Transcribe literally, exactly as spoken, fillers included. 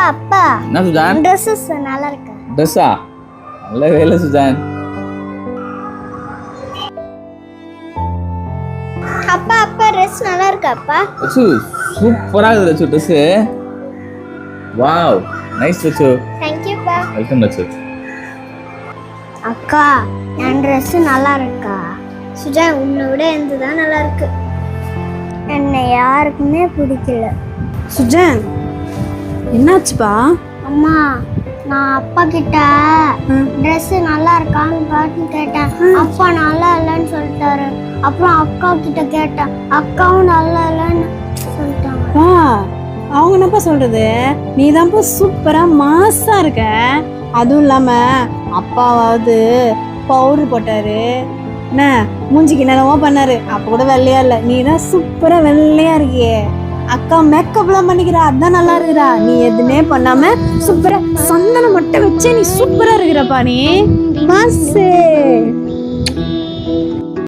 அப்பா என்ன சுஜான்? ட்ரெஸ்ஸஸ் நல்லா இருக்கு. ட்ரெஸ்ஸா? நல்ல வேலை சுஜான். அப்பா அப்பா ட்ரெஸ் நல்லா இருக்கு அப்பா. அச்சு சூப்பரா இருக்குது Achu dress. Wow nice Achu. Thank you பா. வெல்கம் அச்சு. அக்கா என் ட்ரெஸ் நல்லா இருக்கா? சுஜான் உன்னை விட எந்த தான் நல்லா இருக்கு. என்னை யாருக்குமே பிடிக்கல. சுஜான் என்னாச்சுப்பா? அம்மா நான் அப்பா கிட்ட ட்ரெஸ் நல்லா இருக்கான்னு பார்த்து கேட்டேன். அப்பா நல்லா இல்லைன்னு சொல்லிட்டாரு. அப்புறம் அக்கா கிட்ட கேட்டேன். அக்காவும் நல்லா இல்லைன்னு சொல்லிட்டாங்க. வா அவங்க என்னப்பா சொல்றது? நீ தான்ப்பா சூப்பரா மாசா இருக்க. அதுவும் இல்லாம அப்பாவாவது பவுடர் போட்டாரு, என்ன மூஞ்சிக்கு என்னென்னவோ பண்ணாரு, அப்ப கூட வெள்ளையா இல்ல. நீ தான் சூப்பரா வெள்ளையா இருக்கியே. அக்கா மேக்கப் எல்லாம் பண்ணிக்கிறா, அதான் நல்லா இருக்கிறா. நீ எதுவுமே பண்ணாம சூப்பரா சந்தனம் மட்டும் வச்சே நீ சூப்பரா இருக்கிறப்பா. நீ மாசு.